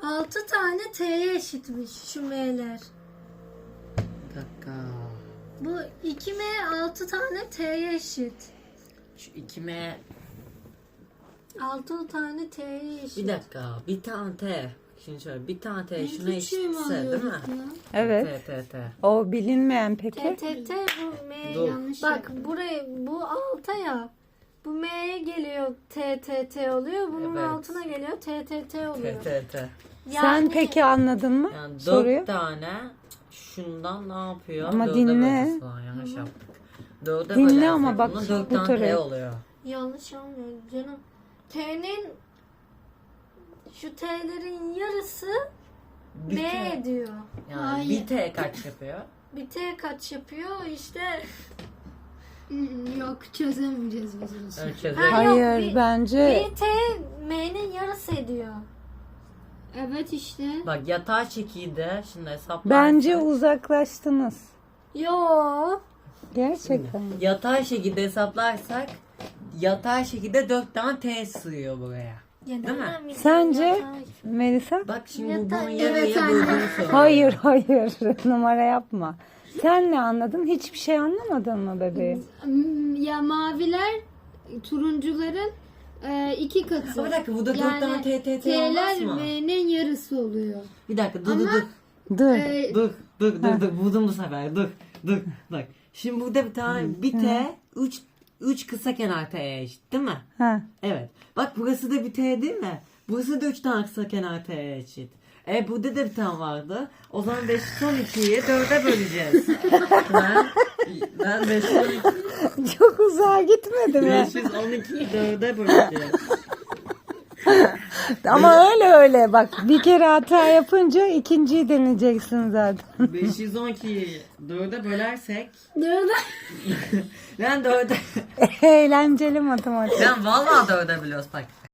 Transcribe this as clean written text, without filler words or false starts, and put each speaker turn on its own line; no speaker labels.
6 tane T'ye eşitmiş şu M'ler.
Bir dakika.
Bu 2M 6 tane T'ye eşit.
Şu 2M.
6 tane T'ye eşit.
Bir dakika. Bir tane T. Şimdi şöyle bir tane T
En
şuna
küçüğü mü
eşitse değil
alıyorduk
mi?
ya?
Evet.
T.
O bilinmeyen peki.
T bu M
Dur.
yanlış. Bak buraya bu alta ya. Bu M'ye geliyor T oluyor. Bunun
Evet.
altına geliyor T oluyor.
T.
Sen peki anladın mı
Yani 4
soruyu?
tane şundan ne yapıyor?
Ama
Dörde
dinle.
böleceğiz falan, yanlış yaptık. Dörde
Dinle
bölersek
ama bak,
buna 4
bu
tane
türü.
T oluyor.
Yanlış olmuyor canım. T'nin şu T'lerin yarısı
Bir
B
T.
ediyor.
Yani
Hayır.
bir T kaç yapıyor?
Bir T kaç yapıyor işte.
Yok çözemeyeceğiz biz bunu.
Ölçeceğiz.
Ha, yok,
Hayır
bir-
bence
Bir T M'nin yarısı ediyor.
Evet işte.
Bak yatay şekilde şimdi hesaplarsak.
bence uzaklaştınız.
Yo.
Gerçekten.
Yatay şekilde hesaplarsak yatay şekilde 4 tane T sığıyor buraya.
Ya
Değil mi?
nereden bileyim
Sence
yatay?
Melisa?
Bak şimdi bu
Yatay-
bunun
Evet,
yarıya
anne.
böldüğünü söylüyor.
Hayır numara yapma. Sen ne anladın? Hiçbir şey anlamadın mı bebeğim?
Ya maviler turuncuların 2 katı.
Bir dakika burada 4
Yani
tane T
T'ler
olmaz mı?
M'nin yarısı oluyor.
Bir dakika dur
Ama-
Dur.
dur buldum bu sefer dur bak şimdi burada bir tane bir T 3 kısa kenar T'ye eşit değil mi?
Ha.
Evet bak burası da bir T değil mi? Burası da 3 tane kısa kenar T'ye eşit. Burada da bir tane vardı. O zaman 5 son 2'yi 4'e böleceğiz. ben 512
Çok uzağa gitmedi mi?
512'yi 4'e böleceğiz.
Ama öyle bak bir kere hata yapınca ikinciyi deneyeceksin zaten.
512'yi 4'e bölersek
Nereden?
ben 4'e
Eğlenceli matematik.
ben vallahi 4'e bölüyoruz bak.